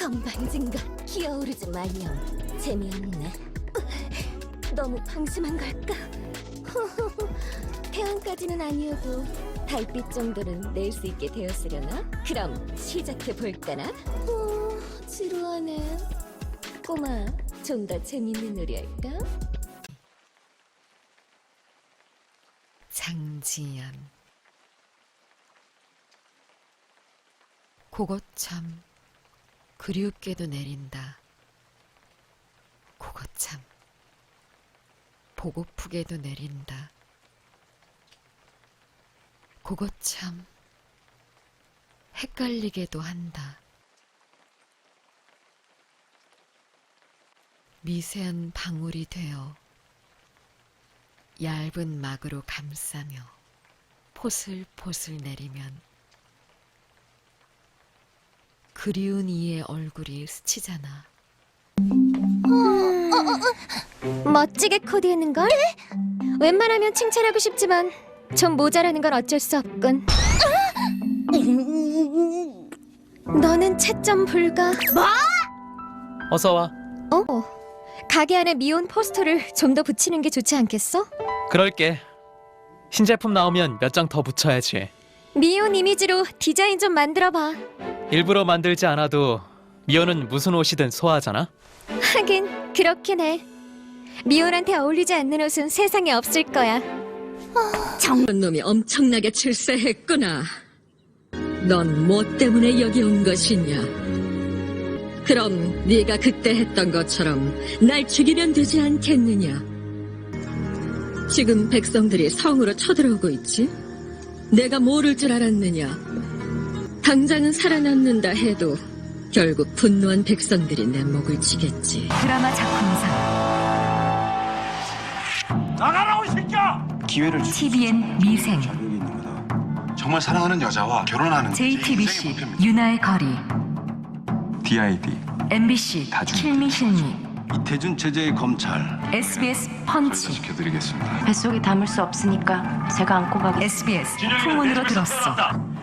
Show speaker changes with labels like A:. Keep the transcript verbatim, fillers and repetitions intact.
A: 건방진가 기어오르지 마냥 재미없네. 너무 방심한 걸까? 태양까지는 아니어도 달빛 정도는 낼 수 있게 되었으려나? 그럼 시작해 볼까나? 오, 지루하네. 꼬마, 좀 더 재밌는 놀이 할까?
B: 장지연. 그것 참 그리웁게도 내린다. 그것 참 보고프게도 내린다. 그것 참 헷갈리게도 한다. 미세한 방울이 되어 얇은 막으로 감싸며 포슬포슬 내리면 그리운 이의 얼굴이 스치잖아.
A: 멋지게 코디했는걸? 웬만하면 칭찬하고 싶지만 좀 모자라는 건 어쩔 수 없군. 너는 채점 불가. 뭐?
C: 어서 와.
A: 어. 가게 안에 미혼 포스터를 좀 더 붙이는 게 좋지 않겠어?
C: 그럴게. 신제품 나오면 몇 장 더 붙여야지.
A: 미혼 이미지로 디자인 좀 만들어봐.
C: 일부러 만들지 않아도 미호는 무슨 옷이든 소화하잖아.
A: 하긴 그렇긴 해. 미혼한테 어울리지 않는 옷은 세상에 없을 거야.
D: 저런 놈이 엄청나게 출세했구나. 넌 뭐 때문에 여기 온 것이냐? 그럼 네가 그때 했던 것처럼 날 죽이면 되지 않겠느냐? 지금 백성들이 성으로 쳐들어오고 있지? 내가 모를 줄 알았느냐? 당장은 살아남는다 해도 결국 분노한 백성들이 내 목을 치겠지.
B: 드라마 작품상
E: 나가라고 이 새끼야!
F: 기회를 주
B: 티비엔 미생,
F: 자격이 있는 거다. 정말 사랑하는 여자와 결혼하는 게
B: 제이티비씨
F: 인생의 목표입니다.
B: 유나의 거리,
F: 디아이디
B: 엠비씨
F: 다 준-
B: 킬미실미,
F: 이태준 제재의 검찰
B: 에스비에스 펀치,
F: 시켜드리겠습니다.
G: 뱃속에 담을 수 없으니까 제가 안고 가겠습니다.
B: 에스비에스 풍문으로 들었어.